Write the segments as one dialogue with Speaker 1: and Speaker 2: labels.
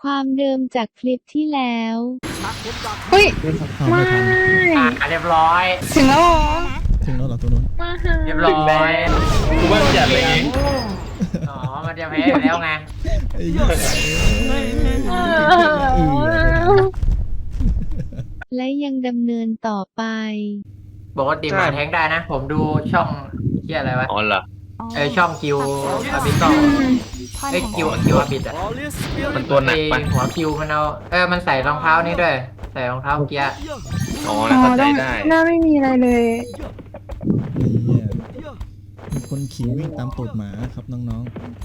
Speaker 1: ความเดิมจากคลิปที่แล้ว
Speaker 2: เฮ้ย
Speaker 3: ไม่
Speaker 2: เรียบร้อย
Speaker 3: ถึงแล้วเหรอ
Speaker 4: ถึงแล้วเหรอตัวนู้น
Speaker 3: มาหา
Speaker 2: เรียบร้อย
Speaker 5: กูว่าจัดเลยไง
Speaker 2: อ๋อมันจะแพ้อยู่แล้วไง
Speaker 4: ไอ้เหี้ย
Speaker 1: และยังดำเนินต่อไป
Speaker 2: ปกติมาแทงได้นะ ผมดูช่องเที่ยอะไรวะ
Speaker 5: อ๋อเหรอ
Speaker 2: ช่องคิวอาบิโตคิวอาบิดอะ
Speaker 5: มันตัวหนักปะ
Speaker 2: หัวคิวมันเอามันใส่รองเท้านี่ด้วย ใส่รองเท้าเกียร์
Speaker 5: อ๋อ
Speaker 3: อ๋
Speaker 5: แล้ว
Speaker 3: อ
Speaker 5: เข้าใจ
Speaker 3: ต้อง
Speaker 5: ได้
Speaker 3: หน้าไม่มีอะไรเลย
Speaker 4: นี่มีคนขี่วิ่งตามตูดหมาครับน้อง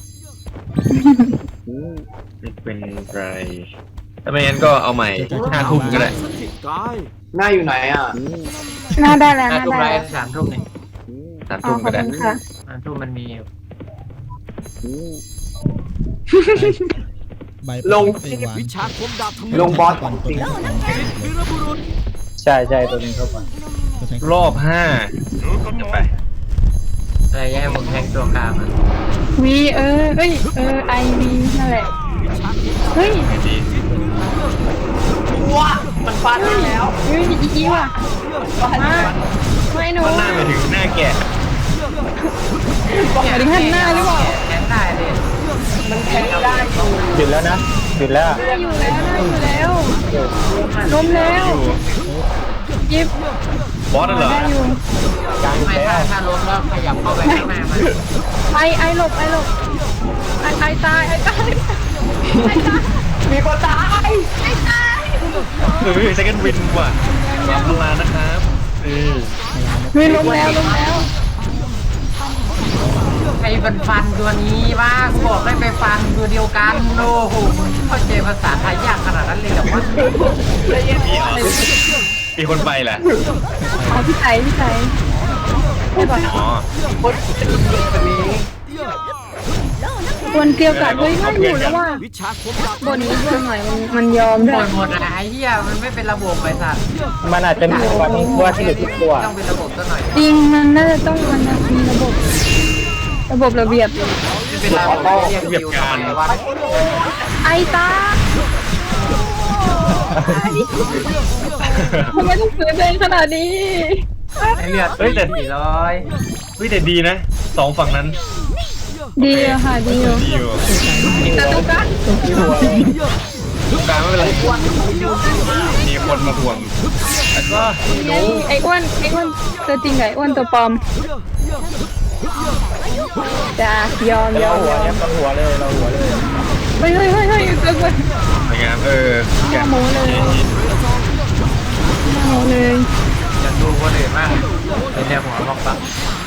Speaker 5: ไม่เป็นไรถ้าไม่งั้นก็เอาใหม่5 ทุ่มก็ได้
Speaker 6: หน้าอยู่ไหนอ่ะ
Speaker 3: หน้าได้แล้วห
Speaker 2: ห้า
Speaker 3: น้า
Speaker 2: ทุ่ม
Speaker 3: ได้
Speaker 2: ไร
Speaker 3: แล้ว
Speaker 2: 3 ทุ่มนี่
Speaker 5: 3
Speaker 3: อ๋อ
Speaker 5: ทุ่ม
Speaker 3: ขอ
Speaker 5: ก็
Speaker 3: บ
Speaker 5: ได้
Speaker 3: คุณค่ะ
Speaker 2: 3 ทุ่มมันมีอยู่
Speaker 4: ๆใบ
Speaker 6: ลง
Speaker 4: ไอ้วาน
Speaker 6: ลงบอส
Speaker 4: ก่อนตัวนี้
Speaker 6: ใช่ใช่ตัวนี้เข้าไป
Speaker 4: ตัวแทง
Speaker 5: รอบ5จะไป
Speaker 2: อะไรแย่ผมแทงตัวกลางอะ
Speaker 3: วีเอ้ยไอวีนั่นแหละเฮ้ย
Speaker 5: ไงดี
Speaker 6: ว้ามันฟันแล้ว
Speaker 3: เฮ้ยอีว่ะมาไม่หนู
Speaker 5: มันหน้าไปถึงหน้าแกะ
Speaker 3: หมายถึงหันหน้าหรือเปล่า
Speaker 2: แทงได้เลย
Speaker 6: มันแทงได้หยุดแล้วนะหยุดแล้ว
Speaker 3: หน้าอยู่แล้วหน้าอยู่แล้วล้มแล้วยิบบ
Speaker 5: อสเหรอ
Speaker 3: ได้อยู่
Speaker 6: กลาง
Speaker 2: ไม่
Speaker 6: แล้ว
Speaker 2: ถ้าล้มแล้วขยับเข้าไปข้างหน้ามัน
Speaker 3: ไอหลบไอตาย
Speaker 6: มีคนตาย
Speaker 5: ไม่มี second win ว่ะขอบคุณลานะครับนี่
Speaker 3: เฮ้ยล้มแล้ว
Speaker 2: ไอ้ฟันตัวนี้ว่ากูบอกให้ไปฟันตัวเดียวกันโอ้โหมึงเข้าใจภาษาไทยยากขนาดนั้นเลยเหรอวะ
Speaker 5: มีเหรอมีคนไปแหละ
Speaker 3: อ๋อพี่ไก่พูดก่อน
Speaker 5: อ๋อ
Speaker 3: ควรเกลียวกัดเฮ้ยไม่อยู่แล้วว่าบนนี้เยอะหน่อยมันยอม
Speaker 2: ห
Speaker 3: ด้
Speaker 2: ม
Speaker 3: วย
Speaker 2: ดหมดนะไอ้เหี้ยมันไม่เป็นระบบไปสัตว์
Speaker 6: มันอาจจะมีวันว่าที่เหลือทุกตัว
Speaker 2: ต้องเป็นระบบซะหน่อย
Speaker 3: จริงมันน่าจะต้องมันมีระบบระเบียบ
Speaker 2: ไม่เป็นระบบเรียกคิวทำไมวะ
Speaker 3: ไอตาทำไมต้องเสือเองขนาดนี้
Speaker 2: ไอ้เลือด
Speaker 5: เฮ้ยแต่
Speaker 2: 400
Speaker 5: เฮ้ยแต่ดีนะ2 ฝั่งนั้น
Speaker 3: ดีอะค่ะดีอยู่
Speaker 5: ดีอยู่
Speaker 3: แต่ตุ๊กตา
Speaker 5: ตรงกลางไม่เป็นไรมีคนมาห่วงแล้วก็
Speaker 3: ไอ้อ้วนตัวจริงไงอ้วนตัวปลอมจ้ายอม
Speaker 6: เราหัวเนี่ยเราหัวเลยเราหัวเลย
Speaker 3: เฮ้ยเกินไป
Speaker 5: สวยงามแกะ
Speaker 3: โมเลยโมเลย
Speaker 2: จะดูคนอื่นบ้างเป็นแนวหัวมองปัง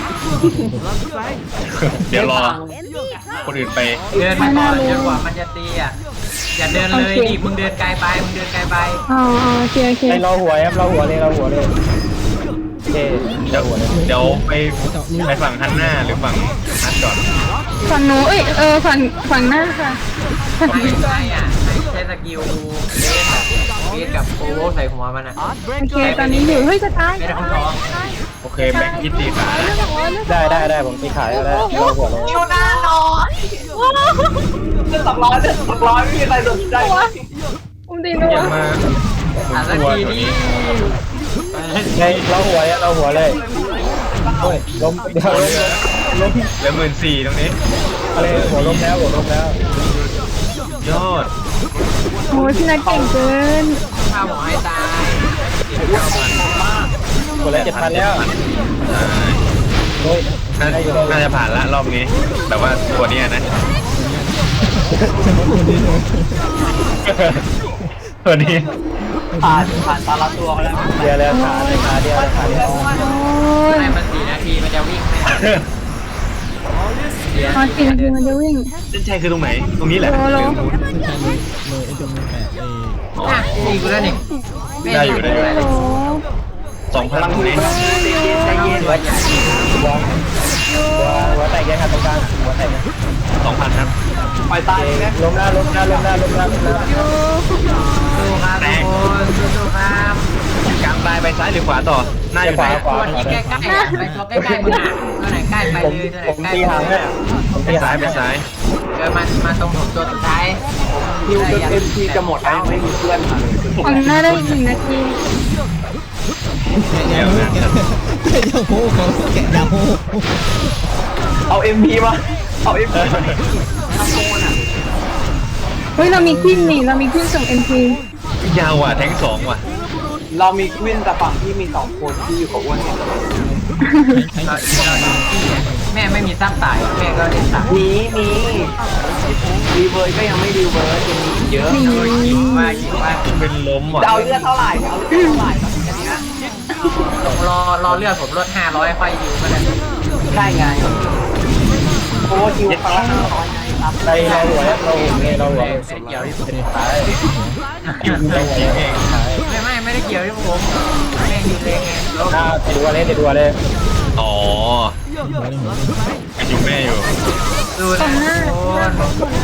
Speaker 5: เดี๋ยวรอคนอื่นไป
Speaker 2: เดินมาก่อนจนกว่ามันจะตีอ่ะอย่าเดินเลยดิมึงเดินไกลไป
Speaker 3: อ๋อโอเค
Speaker 6: ไอเราหัวครับเราหัวเลยเราหัวเลยโอเค
Speaker 5: เดี๋ยวไปฝั่งฮันน่าหรือฝั่งนัดก่อน
Speaker 3: ฝั่งหนูฝั่งหน้าค่ะ
Speaker 2: ไม่อ่ะใช้สกิลเบสกับโอเวอร์ใส่หัวมันอ่ะ
Speaker 3: โอเคตอนนี้อยู่เฮ้ยจะตาย
Speaker 2: ไม่ได้ท้องท้อง
Speaker 5: โอเคแบงค์ยินดีขา
Speaker 6: ได้ผมตีขายแล้วเราหัวเลย
Speaker 3: อยู่หน้านอน
Speaker 6: เรื่อง200ไม่มีใครสนใจ
Speaker 3: อุ้มดีนัว
Speaker 5: อย่ามา
Speaker 2: อ่ะสัก
Speaker 5: ตัว
Speaker 2: ที
Speaker 5: ตัว
Speaker 2: นี้
Speaker 5: นี้
Speaker 6: ไงเราหัวเนี่ยเราหัวเลยล้มเดี๋ยวล้ม
Speaker 5: เหลือ14,000ตรงนี้
Speaker 6: อะไรหัวล้มแล้ว
Speaker 5: ยอด
Speaker 3: โอ้ยพี่นัทเก่งเกิน
Speaker 2: ข้าวหมอให้ตาย
Speaker 6: หัวแล้ว7,000แล้วโอ้ย
Speaker 5: น่าจะผ่านละรอบนี้ แต่ว่าตัวเนี้ยนะตัวนี้
Speaker 6: ผ่านตาละตัวแล้วเดียวแล้วขาเดียว
Speaker 3: โอ้ย
Speaker 2: ให้มัน4 นาทีมันจะวิ่งไม่ทัน
Speaker 3: พอกินทีมันจะวิ่ง
Speaker 5: เส้นชัยคือตรงไหน ตรงนี้แหละ
Speaker 3: โอ้โห
Speaker 5: หรือตรงนู้น
Speaker 4: ไม่ใช่เลยไอ้จมูกแตกไอ้
Speaker 5: อ๋อ
Speaker 2: อ่ะตีกูแล้วนี่
Speaker 5: ได้อยู่
Speaker 3: โอ้โห
Speaker 5: 2,000ตรงนี้
Speaker 2: ใจเย็นหัวใหญ่
Speaker 6: หัวแตกยังครับตรงกลางหัวแตก
Speaker 5: 2,000ครับ
Speaker 6: ปล่อยตายนะล้มหน้า
Speaker 2: สู้ครับทุกคนสู้ครับ
Speaker 5: กลางตายไปซ้ายหรือขวาต่อหน้าอยู่ไหน
Speaker 2: ตัวที่ใกล้ๆไปตัวใกล้ๆมึงอ่ะตัวไหนใกล้ไปเลยตัวไหน
Speaker 6: ผม
Speaker 2: ใกล้
Speaker 6: ตีหางเนี่ยผม
Speaker 5: ไป
Speaker 6: ตีหา
Speaker 5: ซ้าง ยไปซ้าย
Speaker 2: มาตรงผมตัวสุดท้าย
Speaker 7: คิวจนเอ็มพีจะหมดแล้วไม่มีเพื่อนมาเลย
Speaker 3: ฝั่งหน้าได้อีก1 นาที
Speaker 4: แกะยาโฮแกะยาโฮเขาแกะยาโฮ
Speaker 7: เอาเอ็มพีมาเอาเอ็มพีมา
Speaker 3: เฮ้ยเรามีขึ้นนี่เรามีขึ้นส่ง MP
Speaker 5: ยาวว่ะแทง2ว่ะ
Speaker 7: เรามีควินแต่ฝั่งที่มี2 คนที่อยู่กับอ้วนเนี่ย
Speaker 2: แม่ไม่มีซับตายแม่ก็เล่นตาย
Speaker 7: มีรีเวิร์ดก็ยังไม่รีเวิร์ดยังมีอีกเยอะ
Speaker 2: ยิงว่า
Speaker 5: เป็นล้มว่ะ
Speaker 7: จะเอาเลือดเท่าไหร่เอาเลือดเท่าไหร่กันเนี้ย
Speaker 2: รอเลือดผมลด500ค่อยยิวก็ได้
Speaker 7: ได้ไงโค้ชิวครั้งละ500ไงครับ
Speaker 6: ในเราหัว
Speaker 2: ไม่ได้เกี่ยวที่ผม
Speaker 5: อยู่ในทีมเอง
Speaker 2: ไม่ได้เกี่ยวที่ผมแม่ยิงเองไง
Speaker 6: ติดวัวเลย
Speaker 5: อ๋ออยู่แม่อยู่
Speaker 2: ดูนะโอ้ย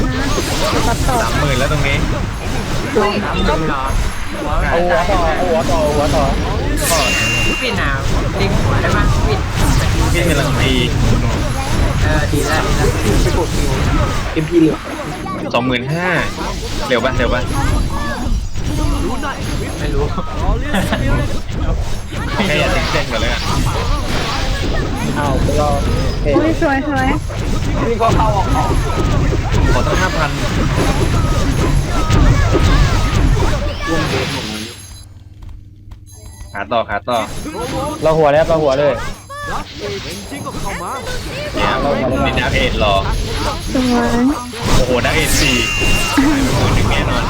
Speaker 5: 30,000แล้วตรงนี้
Speaker 2: เหรอ
Speaker 6: เอาหัวต่อ
Speaker 2: ปิดหนาวลิงหัวได้ไหมปิด
Speaker 5: พี่กำลังตี
Speaker 2: ดีแล้ว
Speaker 7: ไปกดคิวเอ็มพีเหลือ
Speaker 5: 25,000เร็วป่ะ
Speaker 2: ไม่รู้
Speaker 5: แค่อย่าทิ้งเส้นก่อนเลยอ่ะ
Speaker 6: เอาไปรอ
Speaker 3: โอ้ยสวย
Speaker 7: นี่ก็เข้าออก
Speaker 5: ขอตั้ง 5,000
Speaker 7: รวมเดนหมดเลย
Speaker 5: ขาต่อ
Speaker 6: เราหัวเลย
Speaker 5: เนี่ยนี่ดักเอ็ดรอ
Speaker 3: สวย
Speaker 5: โอ้โหดักเอ็ด4หายไป10,000แน่นอน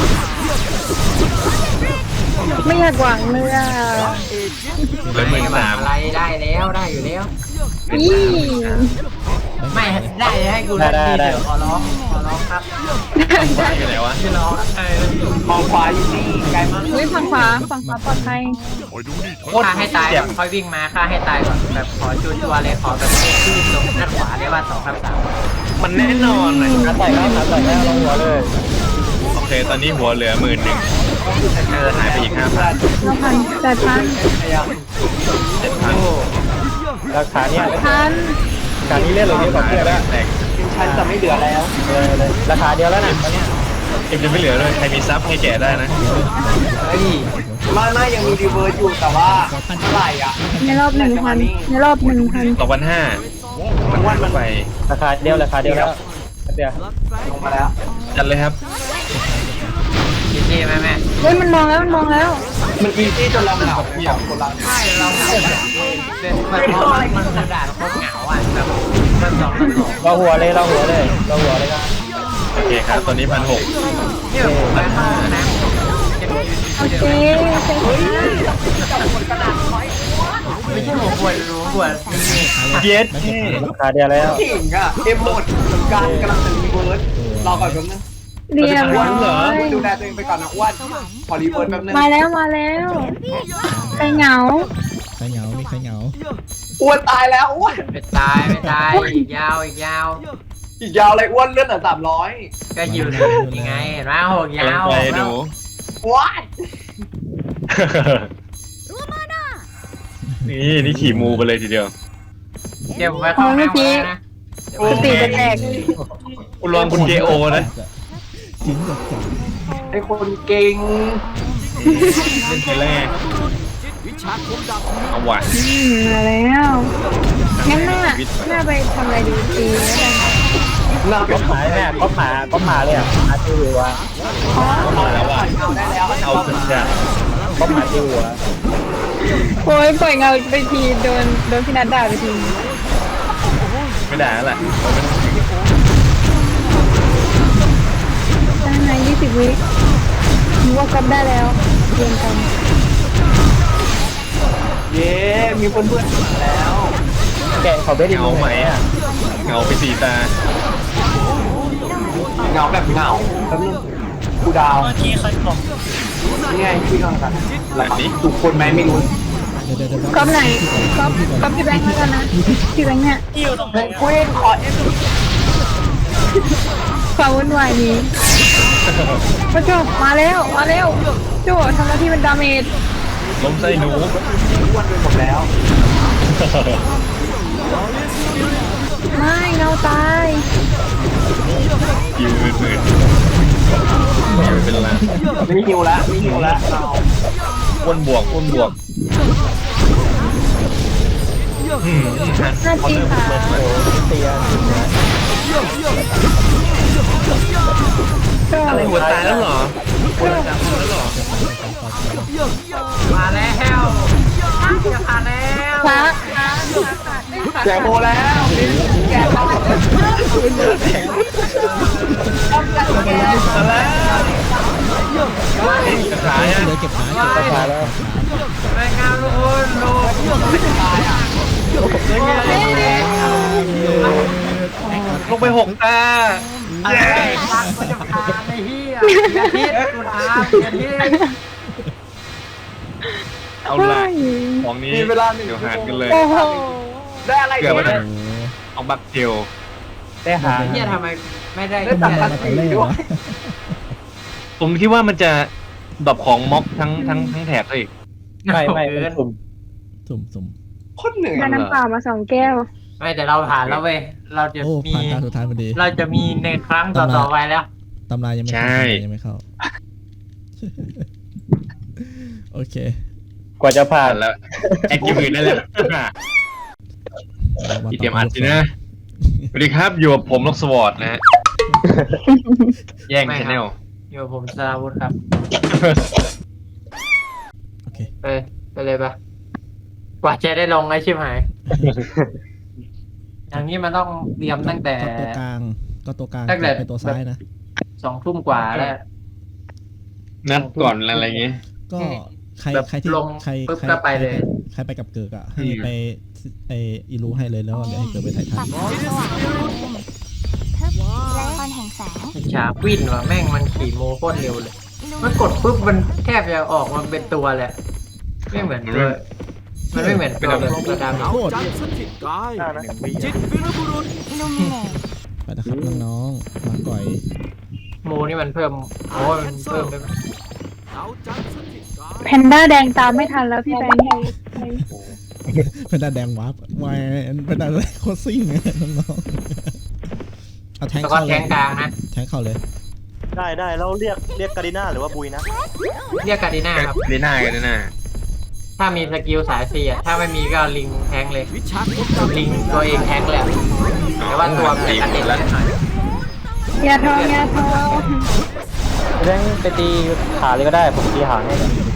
Speaker 3: ไม่อยากหวังเลยอ่ะ
Speaker 5: เลย13,000
Speaker 2: อะไรได้แล้วได้อยู่แล้ว
Speaker 3: นี่
Speaker 2: ไม่ได้ให้กูเล่นดีเดี๋ยวขอร้องครับ
Speaker 5: ว่าอยู่ไหนวะ
Speaker 2: พี่ร้อง
Speaker 7: มองขวาอยู่นี่ไกลมาก
Speaker 3: เฮ้ยฝั่งขวาปลอดภัย
Speaker 2: ฆ่าให้ตายก่อนค่อยวิ่งมาฆ่าให้ตายก่อนแบบขอชัวร์เลยขอแบบชื่นตรงด้านขวาเรียกว่า2-3
Speaker 5: มันแน่นอนเลย
Speaker 6: ขาใส่แล้วเราหัวเลย
Speaker 5: โอเค ตอนนี้หัวเหลือ11,000หายไปอีก 5,000
Speaker 3: เราพันแต่พัน
Speaker 7: พยายาม
Speaker 5: 7,000
Speaker 6: ราคาเนี่ย
Speaker 3: พัน
Speaker 6: ราคานี้เล่นเราเยอะกว่าเพื่อนแล้ว
Speaker 5: แตก
Speaker 7: ทีมฉันจะไม่เหลือแล้ว
Speaker 6: เลยราคาเดียวแล้วนะตอนนี้
Speaker 5: เอ็มจะไม่เหลือเลยใครมีซับให้แกะได้นะ
Speaker 7: เฮ้ยไม่ยังมีรีเวิร์ดอยู่แต่ว่าเท่าไหร่อ่ะ
Speaker 3: ในรอบ 1,000ในรอบ 1,000
Speaker 5: 2,500มันไป
Speaker 6: ราคาเดียวแล้วเดี๋ยว
Speaker 7: ลงมาแล้ว
Speaker 5: จัดเลยครับ
Speaker 2: ดีเจไหมแม่
Speaker 3: เฮ้ยมันมองแล้ว
Speaker 7: มันอีซี่จนเราเหงาเลย2 คนเรา
Speaker 2: ใช่เราเหงาเป็นมันกระดาษโคตรเหงาอ่ะแบบมัน2-2
Speaker 6: เราหัวเลยครับ
Speaker 5: โอเคครับ ตอนนี้ 1,600
Speaker 2: เนี่ยผมไปเข้าห้องน้ำยังยืน
Speaker 3: โอเค
Speaker 2: ไม่ใช่ผมปวดรู้ปวด
Speaker 5: เย็ด
Speaker 6: ราคาเดียวแล้ว
Speaker 7: ขิงอ่ะเอ็มหมดเหมือนกันกำลังจะรีเวิร์ดรอก่อนแป๊บนึง
Speaker 3: เรียบร้อย
Speaker 7: ดูแลตัวเองไปก่อนนะอ้วนขอรีเวิร์ดแป๊บนึง
Speaker 3: มาแล้วใครเหงา
Speaker 4: ใครเหงามีใครเหงา
Speaker 7: อ้วนตายแล้วอ้วน
Speaker 2: ไม่ตายอีกยาว
Speaker 7: อีกยาวเลยอ้วนเลื่อนเหลือ300
Speaker 2: ก็อยู่เลยยังไงเห็นไหมโหยาว
Speaker 5: ไปดู
Speaker 7: ว้าย
Speaker 5: นี่ขี่มูไปเลยทีเดียว
Speaker 2: เดี๋ยวผมไปเข้าห้องน้ำนะ
Speaker 3: สติจะแตก
Speaker 5: คุณลองคุณเกโอนะ
Speaker 4: จริงกับจัง
Speaker 7: ไอ้คนเก่ง
Speaker 5: เล่นไปแรกเอาว่ะ
Speaker 3: มาแล้วงั้นน่าไปทำอะไรดีตีแล้วกัน
Speaker 7: น่า
Speaker 6: ก็หายแม่ก็หาเลยอ่ะหาชื่อว่า
Speaker 5: มาแล้วว่ะ
Speaker 7: เอาได้แล้ว
Speaker 5: เอาสุดจ้ะ
Speaker 6: ก็หาชื่อว่า
Speaker 3: โอ้ยปล่อยเงาไปทีโดนพี่นัดด่าไปที
Speaker 5: ไม่ได้แล้วแหละ
Speaker 3: ได้ไหม20 วินึกว่าก๊อปได้แล้วเรียนกัน
Speaker 7: เย้มีเพื่อนๆมาแล้ว
Speaker 6: แกเขาไม่ได้
Speaker 5: เงาไหมอ่ะเงาไปสีตา
Speaker 7: เหงาแบบเหงาแป๊บนึงกูดาวนี่ไงพี่น้องกันทุกคนไหมไม่รู้
Speaker 4: เดี๋ยว
Speaker 3: ก๊อปไหนก๊อปพี่แบงค์แล้วกันนะพี่แบงค์เนี่ย
Speaker 7: เพนกวินขอเอฟ
Speaker 3: ความวุ่นวายนี้พระโจมาแล้วโจทำหน้าที่เป็นดาเมจ
Speaker 5: ล้มไส้หนู
Speaker 7: อ้วนไปหมดแล้ว
Speaker 3: ไม่เงาตาย
Speaker 5: ยืนหมื่นเป็นไร
Speaker 7: ไม่หิวแล้วไม่หิวแล้วเรา
Speaker 5: อ้วนบวกอ้วนบวก
Speaker 3: น่าจริงค่ะ
Speaker 6: เตียน
Speaker 5: อะไรหัวตายแล้วเหรอหัวตายแล้วเหรอ
Speaker 2: มาแล้วจะผ่านแล้ว
Speaker 3: พระ
Speaker 7: แจกโบแล้วแจกโบ
Speaker 5: กระถายอ่ะ
Speaker 4: เหลือเก็บขา
Speaker 6: กระถาแล้ว
Speaker 2: รายงานทุกคนโลกยังไง
Speaker 5: ลงไป6 ตา
Speaker 2: อะไรฟังก็จะผ่านไอ้เหี้ยอย่าคิดกูถามอย่าคิด
Speaker 5: เอาละของนี้
Speaker 7: มีเวลา1
Speaker 5: เดี๋ยวหารกันเลย
Speaker 3: โอ้โห
Speaker 7: ได้อะไร
Speaker 5: เกือบไป
Speaker 7: เนี่ย
Speaker 5: เอาบักเทล
Speaker 6: ได้หา
Speaker 2: ไอ้เหี้ยทำไมไม่ได้
Speaker 7: ได้ตัด
Speaker 2: แค่
Speaker 7: กัน
Speaker 4: มาแต่แรกวะ
Speaker 5: ผมคิดว่ามันจะดรอปของม็อกทั้งแถบซะอีก
Speaker 6: ไม่เป็นกลุ่ม
Speaker 4: สุ่ม
Speaker 7: โคตรเหนื่อย
Speaker 3: ได้น้ำเปล่ามา2 แก้ว
Speaker 2: ไม่แต่เราผ่านแล้วเว้ยเราจะ
Speaker 4: โอ้
Speaker 2: มี
Speaker 4: ผ่านการสุดท้ายพอดี
Speaker 2: เราจะมีในครั้งต่อๆไปแล้ว
Speaker 4: ตำรายังไม่เข้ายังไม่เข้า โอเค
Speaker 6: กว่าจะผ่า
Speaker 5: ผ่าน นแล้วแอคทีฟอื่นได้แล้วอีเตรียมอัดสินะสวัสดีครับอยู่กับผมล็อกสวอตนะฮะแย่งชาแนล
Speaker 2: อยู่กับผมสราวุธครับ
Speaker 4: โอเค
Speaker 2: ไปเลยปะกว่าจะได้ลงไอ้ชิบหาย อย่างนี้มันต้องเตรียมตั้งแต่
Speaker 4: ก็ตัวกลาง
Speaker 2: ตั้งแต่
Speaker 4: เป็นตัวซ้ายนะ
Speaker 2: 20:00 กว่าแล้ว
Speaker 5: นัดก่อนอะไรเงี้ย
Speaker 4: ก็ใคร
Speaker 2: แบบ
Speaker 4: ใครที่
Speaker 2: ลง
Speaker 4: ใคร
Speaker 2: ปุ๊บ
Speaker 4: ใคร
Speaker 2: ก็ไปเลย
Speaker 4: ใครไปกับเกิกอ่ะให้ไปอีรูให้เลยแล้วเดี๋ยวให้เกิกไปถ่ายทัน
Speaker 8: คอนแห่งแสง
Speaker 2: ฉาควินว่ะแม่งมันขี่โมโคตรเร็วเลย มันกดปุ๊บมันแทบจะออกมาเป็นตัวเลย ไม่เหมือนตัวมันไม่เหมือนตัวแบบตัวดำ
Speaker 4: โคตร
Speaker 8: อิลูมิเนต
Speaker 4: ไปนะครับน้องๆมาก่อย
Speaker 2: โมนี่มันเพิ่มโอ้ยมันเพิ่มได้ไหม
Speaker 3: แพนด้าแดงตามไม่ทันแล้วพี่แบงค์
Speaker 4: เป็นดาแดงวาร์ปวายเป็นดาโคตรซิ่งเลยน้องๆเอาแทง
Speaker 2: แล้วก็
Speaker 4: เข้า
Speaker 2: แท
Speaker 4: เลย
Speaker 2: งกลางนะ
Speaker 4: แทงเข้าเลย
Speaker 6: ได้แล้วเรียกกาดิน่าหรือว่าบุยนะ
Speaker 2: เรียกกาดิน่าครับ
Speaker 5: ลีน่ากันนะ
Speaker 2: ถ้ามีสกิลสายเสียถ้าไม่มีก็ลิงแทงเลย ลิงตัวเองแทงเลยแต่ว่าตัวมันจะกระเด็นแล้วหน่อย
Speaker 3: ยาทองยาทอง
Speaker 6: เรื่องไปตีขาเลยก็ได้ผมตีหางให้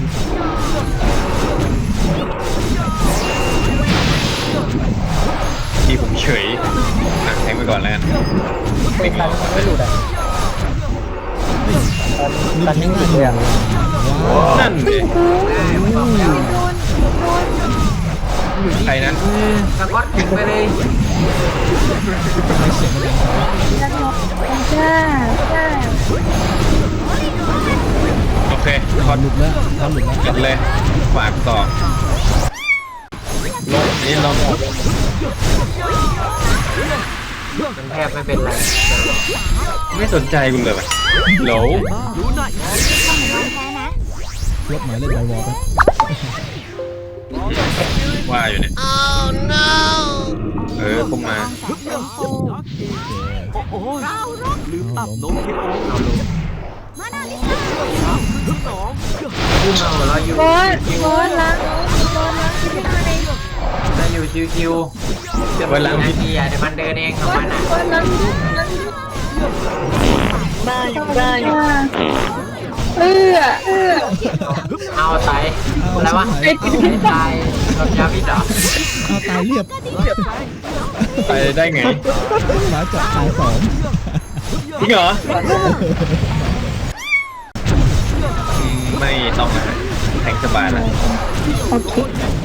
Speaker 5: ที่ผมเฉยแทงไปก่อนแล้วกัน
Speaker 6: ไม่ทันไม่หลุดอ่ะ
Speaker 4: นี่
Speaker 6: ตัน
Speaker 4: แท
Speaker 6: นิ่
Speaker 4: ง
Speaker 6: งห
Speaker 4: ได้
Speaker 6: ลุด
Speaker 4: เล
Speaker 6: เลย ย
Speaker 4: อ่ะ
Speaker 6: อ่ะ
Speaker 5: นั่นเลยใครนั้น
Speaker 2: สก๊อตถึงไปเลย
Speaker 4: ไม่เสียงมันดัง
Speaker 3: จ้าจ้า
Speaker 5: โอเคคอน
Speaker 4: หลุดแล้วทำหลุดแล้ว
Speaker 5: กันเลยฝากต่อลงนี่ลง
Speaker 2: มันแทบไม่เป็นไร
Speaker 5: ไม่สนใจคุณเลยโหล
Speaker 8: แพ้นะ
Speaker 4: ลบหมายเล่นไอวอลไป
Speaker 5: ว่าอยู่เนี่ยเข้ามา
Speaker 4: เอาล้ม
Speaker 2: พุ่งมาหัวเราะอยู่
Speaker 3: โบนล้างพี่ไม้
Speaker 2: จะอยู่ชิวๆจะเป็นนาทีอ่ะเดี๋ยวมันเดินเองของมันอ่ะ
Speaker 3: โบนล้างได้
Speaker 2: เอาไตอะไรวะตายกับยาพิษเหรอ
Speaker 4: เอาตายเรียบ
Speaker 5: ไปได้ไง
Speaker 4: หมาจับตายสอง
Speaker 5: จริงเหรอไม่ต้องนะแทงสบายแล้ว
Speaker 3: โอเค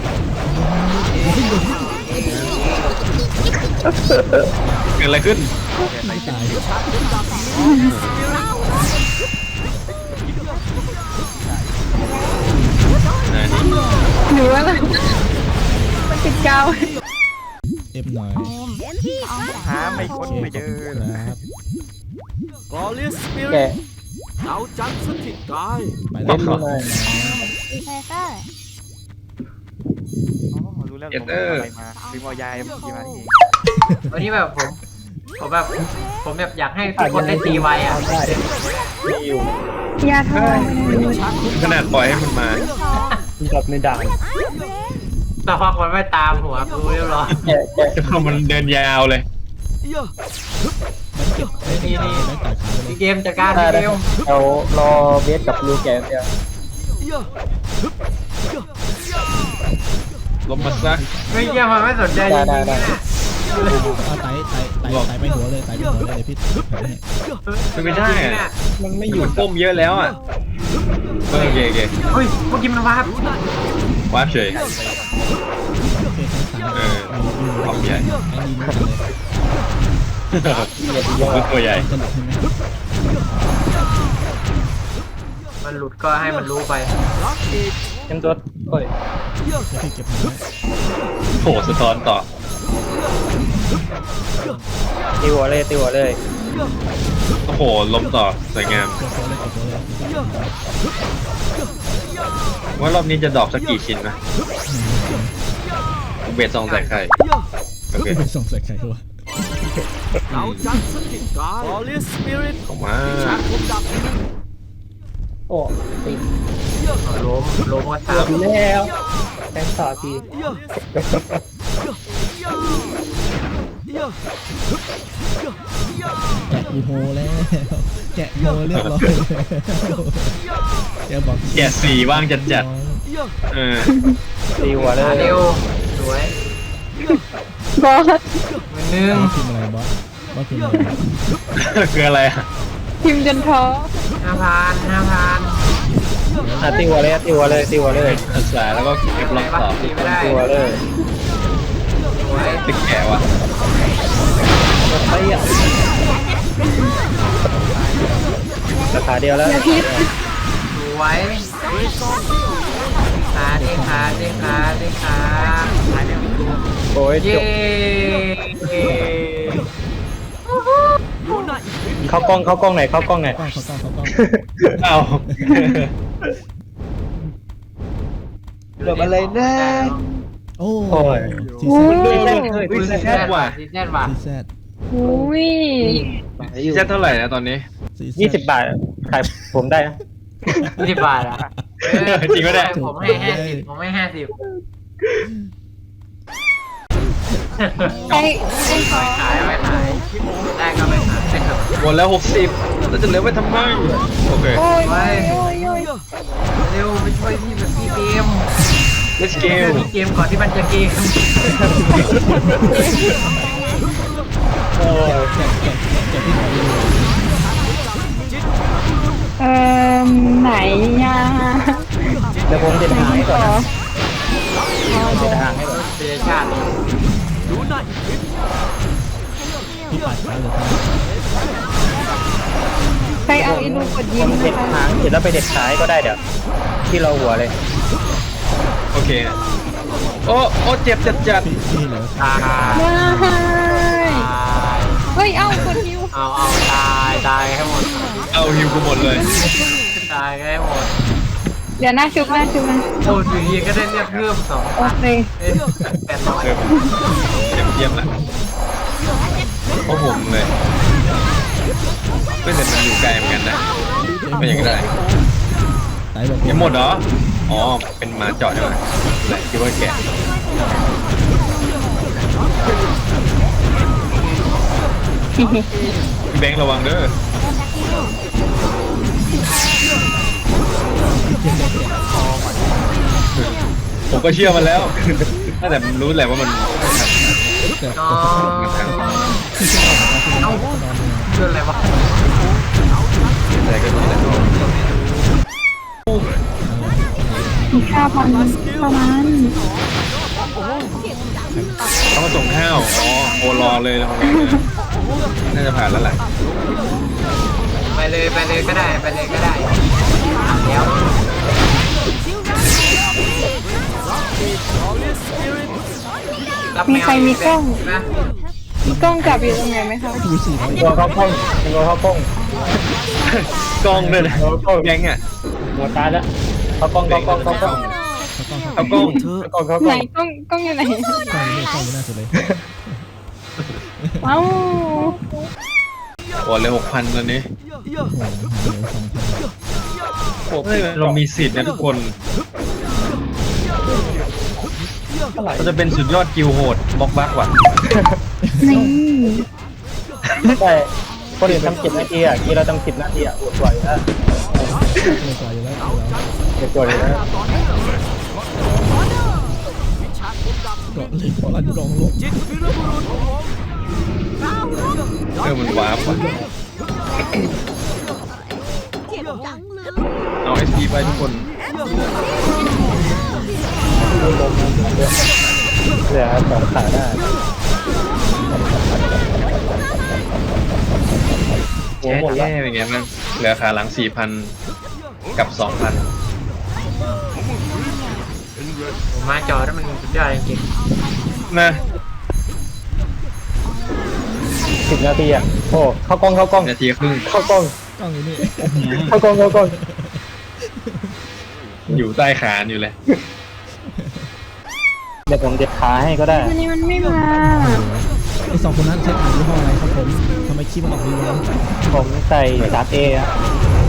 Speaker 5: เกิดอะไรขึ้น
Speaker 4: ไม่ตาย
Speaker 3: หรือว่ามันติดกาว
Speaker 4: เอฟหน่อย
Speaker 8: โอมอองแสง
Speaker 6: หาไม่ค้นไม่เจอ
Speaker 4: ครับ
Speaker 6: แก
Speaker 4: ไป
Speaker 6: เล่น
Speaker 4: แล้ว
Speaker 6: เลย
Speaker 8: เฟเซอร์
Speaker 9: รู้แล้ว
Speaker 5: เอ
Speaker 9: ผม
Speaker 5: เตอร์
Speaker 9: อะไรมาซื้อมอยายเมื่อกี้มานี่เอง
Speaker 2: วันนี้แบบผมแบบอยากให้ทุกคนได้ตีไวอ่ะ
Speaker 6: มีอยู่
Speaker 3: ยาทอง
Speaker 5: ขนาดปล่อยให้มันมา
Speaker 6: มีกับในด่าน
Speaker 2: แต่พักมันไม่ตามหัวกูเรียบร้อย
Speaker 6: แกะแกะ
Speaker 5: มันเดินยาวเลย
Speaker 2: นี่
Speaker 4: ไม่ต่อยขาไปเลย
Speaker 2: เกมจัดการ
Speaker 6: ได้
Speaker 2: เกม
Speaker 6: เรารอเบสกับลูแกะเดียว
Speaker 5: ลมมาซะ
Speaker 2: ไม่เกี่ยมันไม่สนใจจริงๆนะ
Speaker 4: เอาไต่ไปหัวเลยไต่ไปหัวเลยเดี๋ยวพี่ให้
Speaker 5: ไม่ได้อะมันไม่อยู่ก้มเยอะแล้วอ่ะโอเคโอเค
Speaker 2: เฮ้ยเมื่อกี้มันวาบ
Speaker 5: วาร์ปเฉย
Speaker 4: โอเคทั้งสาม
Speaker 5: เออความใหญ่
Speaker 4: ไอ้ดีมากเลย
Speaker 5: คือตัวใหญ่
Speaker 4: สนุกใช่ไหม
Speaker 2: มันหลุดก็ให้มันรู้ไป
Speaker 6: เต็มตัวโอ้ย
Speaker 4: เดี๋ยวพี่เก็บมันไว้
Speaker 5: โผล่สะท้อนต่อ
Speaker 6: ตีหัวเลยตีหัวเลย
Speaker 5: โอ้โหล้มต่อสวยงาม
Speaker 4: เก็บตัวเลยเก็บตัวเลย
Speaker 5: ว่ารอบนี้จะดรอปสักกี่ชิ้นนะเบสซองใส่ไข่โอเค
Speaker 4: ไปส่งใส่ไข่ตัว
Speaker 5: ของมา
Speaker 6: โอ้ตี
Speaker 2: ล้มก็
Speaker 6: เกื
Speaker 2: ตา
Speaker 6: อ
Speaker 2: ม
Speaker 6: บแล้วแทงต่อที
Speaker 4: แกะอีโฮแล้วแกะโฮเรียบร้อยแล้วแกบอก
Speaker 5: แกะสีว่างจัดจัดเออ
Speaker 6: ตีหัวเลย
Speaker 2: เร็วสวย
Speaker 3: บอส
Speaker 2: มือนึง
Speaker 4: พิมพ์อะไรบอสพิมพ์อะไร
Speaker 5: คืออะไรอ่ะ
Speaker 3: พิมพ์จนท้อ
Speaker 2: 5,000
Speaker 6: ตีหัวเลยตีหัวเลยตีหัวเลย
Speaker 5: ศึกษาแล้วก็เก็บล็อกต่อ
Speaker 2: ตีไม่ได้
Speaker 6: ตีหัวเลย
Speaker 2: สวย
Speaker 5: ตึกแกะวะ
Speaker 6: ไอ้อะราคาเดียวแล้ว
Speaker 3: อย่าพิษ
Speaker 2: สวยขา
Speaker 6: โอ้ยจ
Speaker 2: เย้
Speaker 6: บเข้ากล้องไหนเข้ากล้องไหน
Speaker 4: กล้องเขากล้องเขากล้อง
Speaker 5: เอา
Speaker 6: เกือบอะไรนะ
Speaker 4: โอ้
Speaker 6: โอ้ย
Speaker 4: ซี
Speaker 3: อุ้
Speaker 4: แซด
Speaker 3: ย
Speaker 2: ซีแซดว่ะ
Speaker 4: ซีแซด
Speaker 3: อุ้ย
Speaker 5: จะเท่าไหร่นะตอนนี้
Speaker 6: 20 บาทขายผมได้นะ
Speaker 2: 20 บาทอ่ะ
Speaker 5: จริงปะเนี่ย
Speaker 2: ผมให้50ผมให้50
Speaker 3: ไอ้
Speaker 2: ขายไม่ขายได้ก็ไม่ขายได้ครับ
Speaker 5: หมดแล้ว60แล้วจะเหลือไว้ทำไมโอเค
Speaker 3: โอ้ยโอ้ยโอ้ย
Speaker 2: เร็วไปช่วยพี่แบบพี่เกม
Speaker 5: let's
Speaker 2: เก
Speaker 5: go
Speaker 2: พี่เกมก่อนที่มันจะเกม
Speaker 6: โอ้ย
Speaker 4: แกะพี่ขอดู
Speaker 3: ไหนยา
Speaker 6: เดี๋ยวผมเด็ดหางให้ก่อน
Speaker 3: ต่อ
Speaker 6: นะเด็ดหางให้ก่อน
Speaker 2: เสียชาติ
Speaker 4: พี่ปัดขาเลย
Speaker 3: ใครเอาอีลูกกด
Speaker 6: ผ
Speaker 3: ยิ้ม
Speaker 6: มเด็ด
Speaker 3: นะคะ
Speaker 6: หางเสร็จแล้วไปเด็ดขายก็ได้เดี๋ยวที่เราหัวเลย
Speaker 5: โอเคโอ้เจ็บจัด
Speaker 4: พี่เหลือ
Speaker 2: ตาย
Speaker 3: ว้ายเฮ้ย เอากดนิ้ว
Speaker 2: เอาตายให้หมด
Speaker 5: เอาฮิวกูหมดเลย
Speaker 2: ตายให้หมด
Speaker 3: เดี๋ยวหน้าชุบนะ
Speaker 2: โอ้ยอยู่ดีก็ได้เรียกเพิ่ม2
Speaker 3: โอเค
Speaker 5: เออเยี่ยมละโอ้โหเลยไม่แต่มันอยู่ไกลเหมือนกันนะไม่อย่างไร
Speaker 4: ไต่บอก
Speaker 5: ยังหมดเหรออ๋อเป็นหมาเจาะใช่ไหมแหละคิดว่าแกะพี่แบงค์ระวังเด้อผมก็เชื่อมันแล้วแต่มันรู้แหละว่ามัน
Speaker 2: น้องเอาเชื่ออะไรวะ
Speaker 5: อะไรก็รู้แหละ
Speaker 3: 5,000ประมาณ
Speaker 5: ต้องมาส่งข้าวอ๋อโอรอเลยนะน่าจะผ่านแล้วแหละ
Speaker 2: ไปเลยก็ได้แล้ว
Speaker 3: มีใครมีกล้อง
Speaker 2: นะ
Speaker 3: มีกล้องจับอยู่ตรงไหนไหมคะ
Speaker 4: พี่สี่ร้อย
Speaker 6: ตัวเข้ากล้องตัวเข้ากล้อง
Speaker 5: กล้องด้วยนะแบงค์อ่ะ
Speaker 6: หัวตายแล้วเข้ากล้อง
Speaker 4: เขาเข้ากล้อง
Speaker 5: เอากล้อง
Speaker 6: เขา
Speaker 3: ไหนกล้องอยู่ไหน
Speaker 4: กล้องนี่กล้องอยู่หน้าสุดเลย
Speaker 3: ว้าว
Speaker 5: โอ้เลย6,000ตอนนี้
Speaker 4: โอ้โหหาเหลือ2,000
Speaker 5: เฮ้ยเรามีสิทธิ์นะทุกคนเราจะเป็นสุดยอดกิลโหดบล็อกบักว่ะ
Speaker 3: นี่
Speaker 6: ใช่คนอื่นทำ10 นาทีอ่ะกี้เราทำ10 นาทีอ่ะอดไหวแล้ว
Speaker 4: เลยกว่าอยู่แล้ว
Speaker 6: เดี๋ยวตัวอยู่แล้ว
Speaker 4: เกาะเลยเพราะรันกองลง
Speaker 5: มันวาร์ปว่ะเอาไอซีไปทุกคน
Speaker 6: เหลือ2 ขาได้โอ้
Speaker 5: แย่
Speaker 6: หมดแล้ว
Speaker 5: เป็นไงบ้างเหลือขาหลัง 4,000 กับ 2,000
Speaker 2: ผมมาจอแล้วมันสุดยอดจริง
Speaker 5: นะ
Speaker 6: 10 นาทีอ่ะโอ้เข้ากล้อง
Speaker 5: นาทีครึ่ง
Speaker 6: เข้ากล้อง
Speaker 4: กล้องอยู่นี่
Speaker 6: เข้ากล้อง
Speaker 5: อยู่ใต้ขาอยู่เลย
Speaker 6: เดี๋ยวผมเด็ดขาให้ก็ได้
Speaker 3: วันนี้มันไม่มา
Speaker 4: ไอ้2 คนนั้นใช้อ่านยี่ห้ออะไรครับผมทำไมคลิปมันออกดีวะ
Speaker 6: ผมใส่3A อ่ะ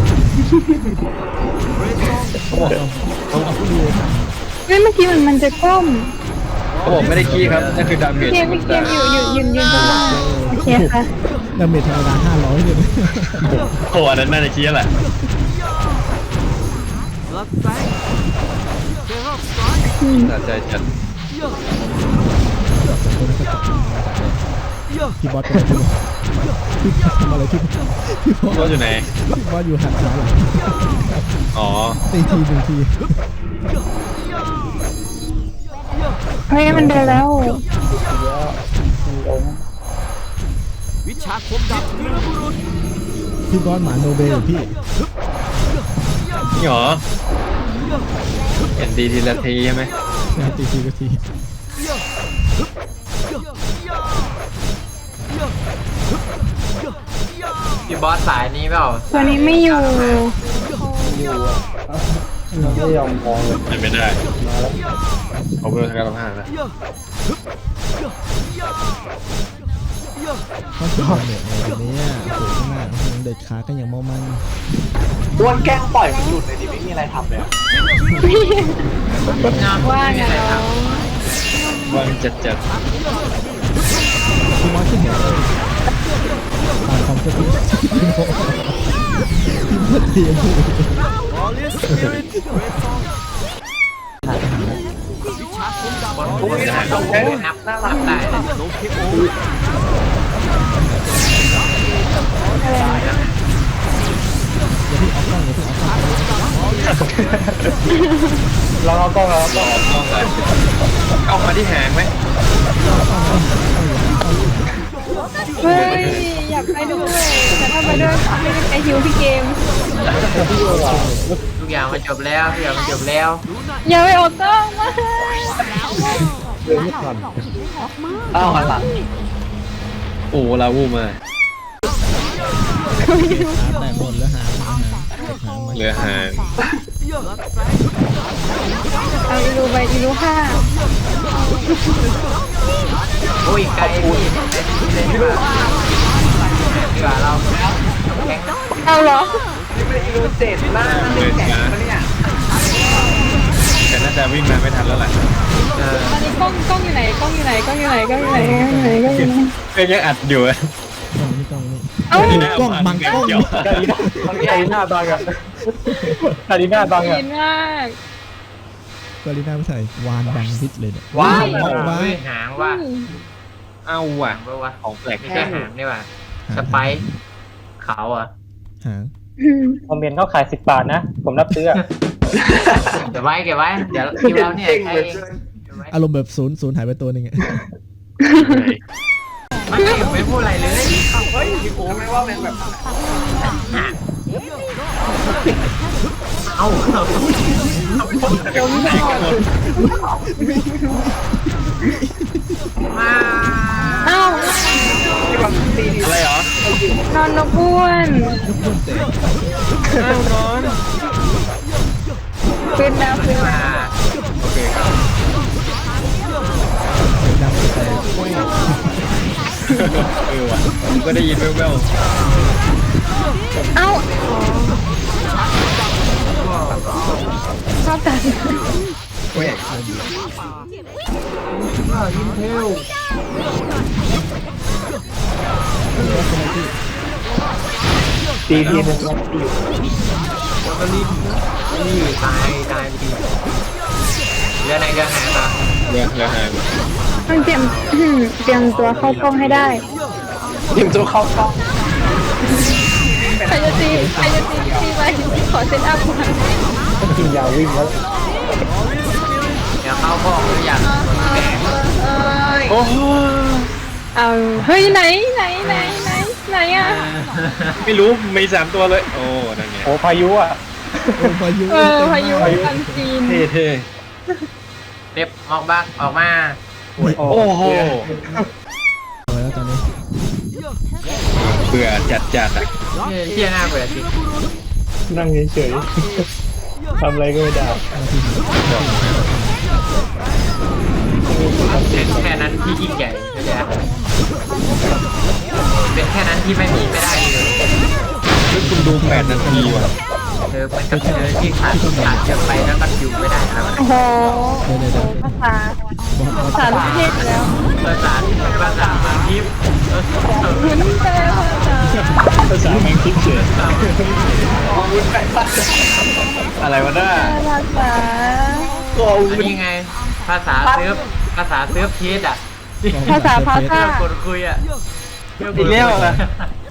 Speaker 4: ต้องเอาผู้ดู
Speaker 3: เฮ้ยเมื่อกี้มันจะก้ม
Speaker 5: เขาบอกไม่ได้ขี้ครับนั่นคือดาเมจ
Speaker 3: เกมพี่เกมอยู่ยืนตรงนั้นโอเคค่ะ
Speaker 4: ดาเมจธรรมดา500เลย
Speaker 5: โอ้อันนั้นน่าจะขี้แหละน่าจะจัด
Speaker 4: พี่บอสเป็นอะไรพี่บอสทำอะไรพี่บอส
Speaker 5: ว่าอยู่ไหน
Speaker 4: พี่บอสอยู่หันขาหลัง
Speaker 5: อ๋อ
Speaker 4: ตีทีหนึ่งที
Speaker 3: เฮ้ยมันเดินแล้ว
Speaker 4: พี่บอสหมาโนเบลพี่
Speaker 5: นี่หรอเห็นดีทีละทีใช่ไหม
Speaker 4: ตีทีก็ที
Speaker 2: พี่บอสสายนี้เปล่า
Speaker 3: ตัวนี้ไม่อยู่
Speaker 6: ไม่ยอมมองเลย
Speaker 5: เป็นไม่ได้เขาเพิ่มการทำงานแล้ว
Speaker 4: ก็คือดาเมจในวันนี้โอ้โหข้างหน้าเด็ดขากันอย่างเมามัน
Speaker 7: อ้วนแกล้งปล่อยมันหลุดเลยดิไม่มีอะไรทำเลย
Speaker 3: ว่างอะเนาะ
Speaker 5: วางจัด
Speaker 4: พี่บอสที่เห็นตามความเชื่อพี่พี่บอสเทียมพูด
Speaker 2: อุ้ยนับน่ารักได้เลย
Speaker 4: อย่าพี่เอากล้องอย่าพี่เอากล้อง
Speaker 6: เราเอากล้องเราเอากล้อง
Speaker 5: ๆต้องเลยเอามาที่หางไหม
Speaker 3: เฮ้ยอยากไปด้วยแต่ถ้าไปด้วยไม่ได้ไปฮิวพี่เกม
Speaker 2: ทุกอย่างมันจบแล้วทุกอย่างมันจบแล้ว
Speaker 3: อย่าไปออกกล้องมา
Speaker 7: อ้าวหันหลัง
Speaker 5: โอ้ลาวูมา
Speaker 4: ได้หมดแล้วหางมา
Speaker 5: เหลือหาง
Speaker 3: เอาอีรูไปอีรูห้า
Speaker 2: อุ้ยไกลพี่เลยดีกว่าเราแข็ง
Speaker 3: เอาเหรอ
Speaker 5: เลยนะแต่น่าจะวิ่งมาไม่ทันแล้วแหละ
Speaker 3: ตอนนี้กล้องอยู่ไหนกล้องอยู่ไหนกล้องอยู่ไหนกล้องอยู่ไหนกล้องอยู่ไหนกล้องอยู่ไหน
Speaker 5: ก็ยังอัดอยู่อะ
Speaker 4: กล้องนี่
Speaker 3: เอ้า
Speaker 4: กล้องบังกล้อง
Speaker 5: เดี๋ยว
Speaker 6: กาลีน่าบังอ่ะกาลีน่าบังอ่ะ
Speaker 3: ยินมาก
Speaker 4: กาลิน่าไม่ใช่วานบังพิษเลยเนี่ย
Speaker 2: ว้าว
Speaker 4: ว้าว
Speaker 2: หางว่า
Speaker 5: เอาว่ะ
Speaker 2: หางว่า
Speaker 5: ของแปลก
Speaker 2: ไม่ใช่หางนี่ว่าสไปค์เขาอ่ะ
Speaker 4: หาง
Speaker 6: คอมเมนต์เขาขาย10 บาทนะ ผมรับซื้อ
Speaker 2: เก็บไว้เดี๋ยวคิวเราเนี่ยใช้เอง
Speaker 4: อารมณ์แบบศูนย์หายไปตัวหนึ่งอะ
Speaker 2: ไม่พูดอะไรเลย
Speaker 7: เฮ้ยพี่โอ้ไม่ว่าเป็นแบบ
Speaker 2: เอ้า
Speaker 3: จมก่อน
Speaker 2: มา
Speaker 3: เอ้า
Speaker 5: อะไรเหรอน
Speaker 3: อนนกอ้วนขึ้นแล้วขึ้น
Speaker 2: มา
Speaker 3: แล้ว
Speaker 2: โอเค
Speaker 5: ก็ได้ยินแว่ว
Speaker 3: เอ้าชอบกัน
Speaker 2: อินเทล
Speaker 6: ตีทีนึงตี
Speaker 2: แล้วก็รีบนี่ตายไปดีเรือไหนเรือไหนมา
Speaker 5: ๆเรือหาย
Speaker 3: ต้องเตรียม เตรียมตัวเข้ากล้องให้ได้
Speaker 6: ทีมตัวเข้ากล้อง
Speaker 3: ใครจะตีไปขอเซตอัพก่อน
Speaker 6: ต้องกินยาวิ่งแล้ว
Speaker 2: เดี๋ยวเข้าพ่อหรือยังแก
Speaker 5: โอ้โห
Speaker 3: เอาเฮ้ยไหนอ่ะ
Speaker 5: ไม่รู้มี3ตัวเลยโอ้นั่นไง
Speaker 6: โอ้พายุอ่ะ
Speaker 4: โอ้พายุ
Speaker 3: พายุอันจีน
Speaker 5: เท่
Speaker 2: เด็บออกบ้างออกมา
Speaker 5: ๆโอ้โห
Speaker 4: เอาแล้วตอนนี้
Speaker 5: เบื่อจัดอ่ะ
Speaker 2: เที่ยหน้าเบื่อจริง
Speaker 6: นั่งเฉยๆทำอะไรก็ไม่ได้
Speaker 2: เป็นแค่นั้นที่ยิ่งใหญ่เข้าใจไหมเป็นแค่นั้นที่ไม่มีไม่ได้เลย
Speaker 5: แล้วคุณดู8 นาทีว่ะ
Speaker 2: มันกับที่ขาดเยอะไปแล้วก็อยู่ไม่ได้แล้ว
Speaker 3: โอ้โห
Speaker 4: เดี๋ยว
Speaker 3: ภาษา
Speaker 4: บอส
Speaker 3: ภาษาลูกเทพแล้ว
Speaker 2: ภาษามาทิพย์
Speaker 3: คุ้นไปเลยภาษา
Speaker 6: ภาษาแมงคิดเฉย
Speaker 5: อะไรวะน้า
Speaker 3: ภาษา
Speaker 2: นี่ไง ภาษาเซิร์ฟเทสอ่ะ
Speaker 3: ภาษาพาซ่า
Speaker 2: คนคุยอ่ะ
Speaker 6: อีกแล้วนะ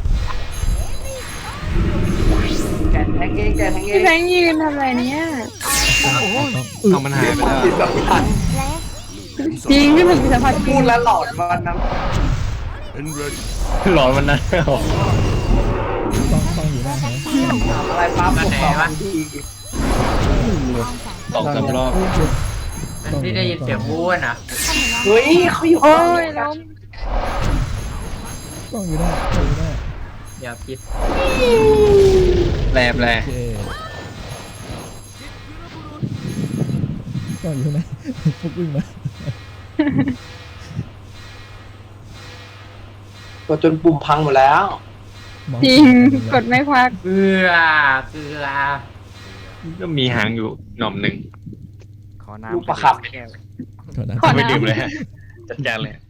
Speaker 7: แกนแทงเองแกนแทงเอ
Speaker 3: พี่
Speaker 7: ง
Speaker 3: แบงค์ยืนทำอะไรเนี่ย
Speaker 5: เอามันหายไปแล้ว
Speaker 7: ติดแบบพัน
Speaker 3: จริงพี่หมึกสัมผัสจริ
Speaker 7: พู
Speaker 3: ง
Speaker 7: ดแล้วหลอดวันนั้น
Speaker 5: หลอนวันนั้น
Speaker 4: ต้องอยู่หน้าฮะ
Speaker 7: อะไรปั๊บผมตอบที
Speaker 5: 2-3 รอบ
Speaker 2: มันที่ได้ยินเสียงวู้นอ่ะ
Speaker 7: เฮ้ยเขาอยู่
Speaker 3: โอ้ยล้ม
Speaker 4: ต้องอยู่หน้าต้องอยู่หน้า
Speaker 2: อย่าคิด
Speaker 5: แปล
Speaker 4: โอเคต้องอยู่หน้าปุ๊บวิ่งมา
Speaker 7: ก็จนปุ่มพังหมดแล้ว
Speaker 3: จริงกดไม่พัก
Speaker 2: เกลือ
Speaker 5: ก็มีหางอยู่หน่อมหนึ่ง
Speaker 9: ขอน้ำ
Speaker 7: ลูกประคับ
Speaker 9: แก้ว
Speaker 4: ขอน้ำ
Speaker 3: ขอ
Speaker 5: ไม่
Speaker 3: น้ำ
Speaker 5: ดื่มเลยฮะจัดการเลย